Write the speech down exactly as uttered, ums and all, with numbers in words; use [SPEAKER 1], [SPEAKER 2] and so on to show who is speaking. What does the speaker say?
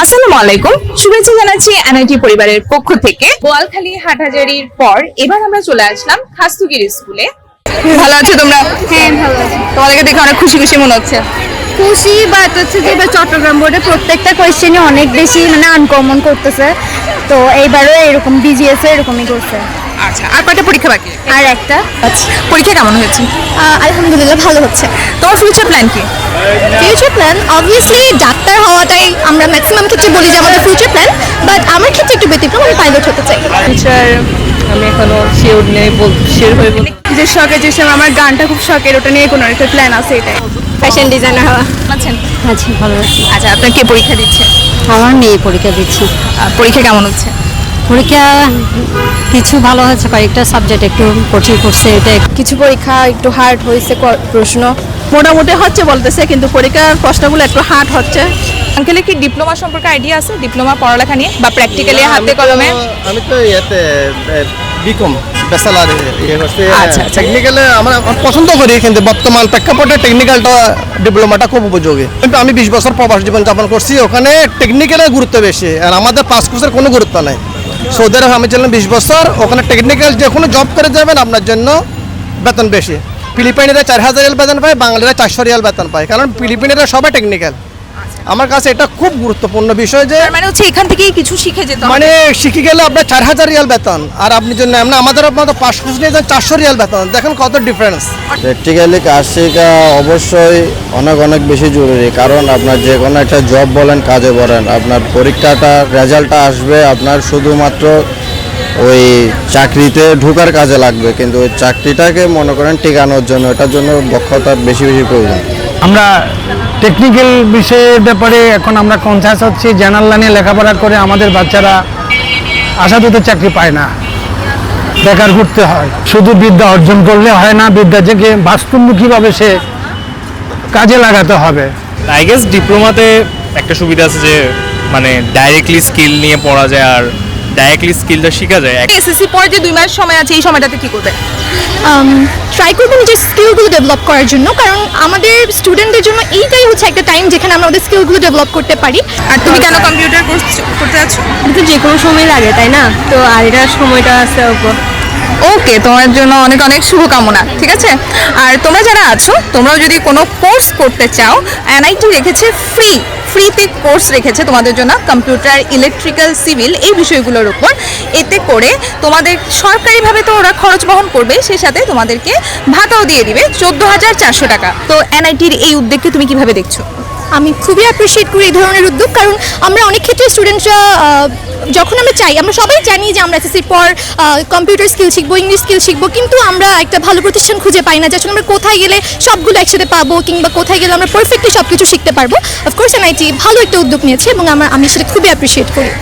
[SPEAKER 1] আসসালামু আলাইকুম, শুভেচ্ছা জানাচ্ছি এনআইটি পরিবারের পক্ষ থেকে। বোয়ালখালী হাটহাজারীর পর এবার আমরা চলে আসলাম খাস্তুগির স্কুলে। ভালো আছো তোমরা?
[SPEAKER 2] হ্যাঁ ভালো আছি।
[SPEAKER 1] তোমাদেরকে দেখে অনেক খুশি খুশি মনে হচ্ছে।
[SPEAKER 2] খুশি বাট হচ্ছে যে এবার চট্টগ্রাম বোর্ডে প্রত্যেকটা কোয়েশ্চেনই অনেক বেশি মানে আনকমন করতেছে, তো এইবারও এরকম বিজিএস এরকমই করছে।
[SPEAKER 1] আচ্ছা, আর কয়টা পরীক্ষা বাকি?
[SPEAKER 2] আর একটা
[SPEAKER 1] পরীক্ষা কেমন হয়েছে?
[SPEAKER 2] আহ, আলহামদুলিল্লাহ ভালো হচ্ছে।
[SPEAKER 1] তোমার ফিউচার প্ল্যান কি?
[SPEAKER 2] ফিউচার প্ল্যান অবভিয়াসলি ডাক্তার হওয়াটাই আমরা ম্যাক্সিমাম ক্ষেত্রে বলি যে আমাদের ফিউচার প্ল্যান, বাট আমার ক্ষেত্রে একটু ব্যতিক্রম, আমি পাইলট হতে চাই।
[SPEAKER 3] ফিউচার আমি এখনো শিওর নেই, বল শিওর হয়ে বল
[SPEAKER 2] যে শখের যে সময় আমার গানটা খুব শখের, ওটা নিয়ে কোনো একটা প্ল্যান আছে, এটাই ফ্যাশন ডিজাইনার হওয়া।
[SPEAKER 1] আছেন?
[SPEAKER 4] আছি, ভালো আছি।
[SPEAKER 1] আচ্ছা, আপনার কে পরীক্ষা দিচ্ছে?
[SPEAKER 4] আমার মেয়ে পরীক্ষা দিচ্ছে।
[SPEAKER 1] আহ, পরীক্ষা কেমন হচ্ছে?
[SPEAKER 4] পরীক্ষা কিছু ভালো হয়েছে, কয়েকটা সাবজেক্ট একটু কঠিন করছে। এটা
[SPEAKER 2] কিছু পরীক্ষা একটু হার্ড হয়েছে, প্রশ্ন
[SPEAKER 3] মোটামুটি হচ্ছে বলতেছে, কিন্তু পরীক্ষার প্রশ্নগুলো একটু হার্ড হচ্ছে।
[SPEAKER 1] আঙ্কেলের কি ডিপ্লোমা সম্পর্কে আইডিয়া আছে? ডিপ্লোমা পড়ালেখা নিয়ে বা প্র্যাকটিক্যালি হাতে কলমে?
[SPEAKER 5] আমি তো ইয়েতে বিকম ব্যাচেলার ইয়ে করছি।
[SPEAKER 1] আচ্ছা, আচ্ছা।
[SPEAKER 5] টেকনিক্যালে আমরা পছন্দ করি, কিন্তু বর্তমান প্রেক্ষাপটে টেকনিক্যালটা ডিপ্লোমাটা খুব উপযোগী। কিন্তু আমি বিশ বছর প্রবাস জীবন যাপন করছি, ওখানে টেকনিক্যালের গুরুত্ব বেশি, আর আমাদের পাঁচ কোর্সের কোনো গুরুত্ব নাই। সৌদি আরব আমি ছিলাম বিশ বছর, ওখানে টেকনিক্যাল যে কোনো জব করে যাবেন আপনার জন্য বেতন বেশি। ফিলিপাইনেরা চার হাজার রিয়াল বেতন পায়, বাঙালিরা চারশো রিয়াল বেতন পায়, কারণ ফিলিপাইনেরা সবাই টেকনিক্যাল। আমার কাছে এটা খুব গুরুত্বপূর্ণ বিষয় যে
[SPEAKER 1] তার মানে হচ্ছে এখান থেকেই কিছু শিখে যেতে হবে।
[SPEAKER 5] মানে শিখে গেলে আপনার চার হাজার রিয়াল বেতন, আর আপনি জন্য এমনি আমাদের আপনার পাঁচ কোর্স নিয়ে যান চারশো রিয়াল বেতন, দেখেন কত ডিফারেন্স।
[SPEAKER 6] প্র্যাকটিক্যালি কাজ শেখা অবশ্যই অনেক অনেক বেশি জরুরি, কারণ আপনার যে কোনো একটা জব বলেন কাজে বলেন, আপনার পরীক্ষাটা রেজাল্টটা আসবে আপনার শুধুমাত্র ওই চাকরিতে ঢোকার কাজে লাগবে, কিন্তু ওই চাকরিটাকে মনে করেন টিকানোর জন্য এটার জন্য দক্ষতার বেশি বেশি প্রয়োজন।
[SPEAKER 7] আমরা টেকনিক্যাল বিষয়ের ব্যাপারে এখন আমরা কনসাস হচ্ছি। জেনারেল লাইনে লেখাপড়া করে আমাদের বাচ্চারা আশাতীত চাকরি পায় না, বেকার ঘুরতে হয়। শুধু বিদ্যা অর্জন করলে হয় না, বিদ্যা থেকে বাস্তবমুখীভাবে সে কাজে লাগাতে হবে।
[SPEAKER 8] আই গেস ডিপ্লোমাতে একটা সুবিধা আছে যে মানে ডাইরেক্টলি স্কিল নিয়ে পড়া যায়, আর ডাইরেক্টলি স্কিলটা শেখা যায়।
[SPEAKER 1] এসএসসি পরে যে দুই মাস সময় আছে, এই সময়টাতে কি করবে?
[SPEAKER 2] ট্রাই করবো নিজের স্কিলগুলো ডেভেলপ করার জন্য, কারণ আমাদের স্টুডেন্টদের জন্য এইটাই হচ্ছে একটা টাইম যেখানে আমরা আমাদের স্কিলগুলো ডেভেলপ করতে পারি।
[SPEAKER 1] আর তুমি কেন কম্পিউটার কোর্স করতে যাচ্ছ?
[SPEAKER 2] কিন্তু যে কোনো সময় লাগে, তাই না? তো আর এটার সময়টা আছে উপর।
[SPEAKER 1] ওকে, তোমার জন্য অনেক অনেক শুভকামনা, ঠিক আছে? আর তোমরা যারা আছো, তোমরাও যদি কোনো কোর্স করতে চাও, এনআইটি রেখেছে ফ্রি ফ্রিতে কোর্স রেখেছে তোমাদের জন্য, কম্পিউটার, ইলেকট্রিক্যাল, সিভিল এই বিষয়গুলোর উপর। এতে করে তোমাদের সরকারিভাবে তো ওরা খরচ বহন করবে, সেই সাথে তোমাদেরকে ভাতাও দিয়ে দিবে চোদ্দ হাজার চারশো টাকা। তো এনআইটির এই উদ্যোগকে তুমি কিভাবে দেখছো?
[SPEAKER 2] আমি খুবই অ্যাপ্রিসিয়েট করি এই ধরনের উদ্যোগ, কারণ আমরা অনেক ক্ষেত্রে স্টুডেন্টরা যখন আমরা চাই, আমরা সবাই জানি যে আমরা এসএসসির পর কম্পিউটার স্কিল শিখবো, ইংলিশ স্কিল শিখবো, কিন্তু আমরা একটা ভালো প্রতিষ্ঠান খুঁজে পাই না যে আসলে আমরা কোথায় গেলে সবগুলো একসাথে পাবো, কিংবা কোথায় গেলে আমরা পারফেক্টলি সব কিছু শিখতে পারবো। অফকোর্স এনআইটি ভালো একটা উদ্যোগ নিয়েছে এবং আমরা আমি সেটা খুবই অ্যাপ্রিসিয়েট করি।